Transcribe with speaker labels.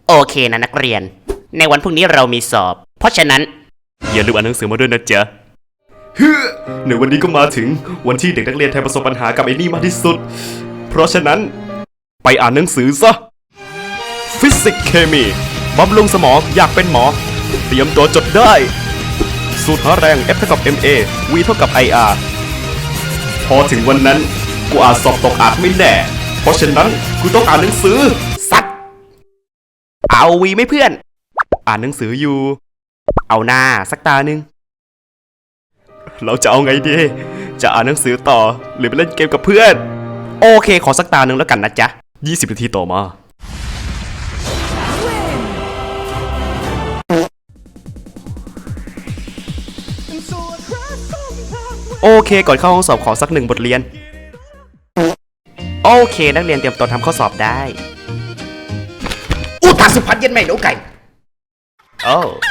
Speaker 1: โอเคนะนักเรียนในวันพรุ่งนี้เรามีสอบเพราะฉะนั้นอย่าลืมอ่านหนังสือมาด้วยนะจ๊ะในวันนี้ก็มาถึงวันที่เด็กนักเรียนไทยประสบปัญหากับไอ้นี่มากที่สุดเพราะฉะนั้นไปอ่านหนังสือซะฟิสิกส์เคมีบำรุงสมองอยากเป็นหมอเตรียมตัวจดได้สูตรหาแรง F เท่ากับ MA V เท่ากับ IR พอถึงวันนั้นกูอาจสอบตกอาจไม่แน่เพราะฉะนั้นกูต้องอ่านหนังสือสัตว์เอาวีไหมเพื่อนอ่านหนังสืออยู่เอาหน้าสักตาหนึ่งเราจะเอาไงดีจะอ่านหนังสือต่อหรือไปเล่นเกมกับเพื่อนโอเคขอสักตาหนึ่งแล้วกันนะจ๊ะ20 นาทีต่อมาโอเคก่อนเข้าห้องสอบขอสัก1 บทเรียนโอเคนักเรียนเตรียมตัวทำข้อสอบได้อุทาสุพัฒน์เย็นไม่หนูไก่โอ้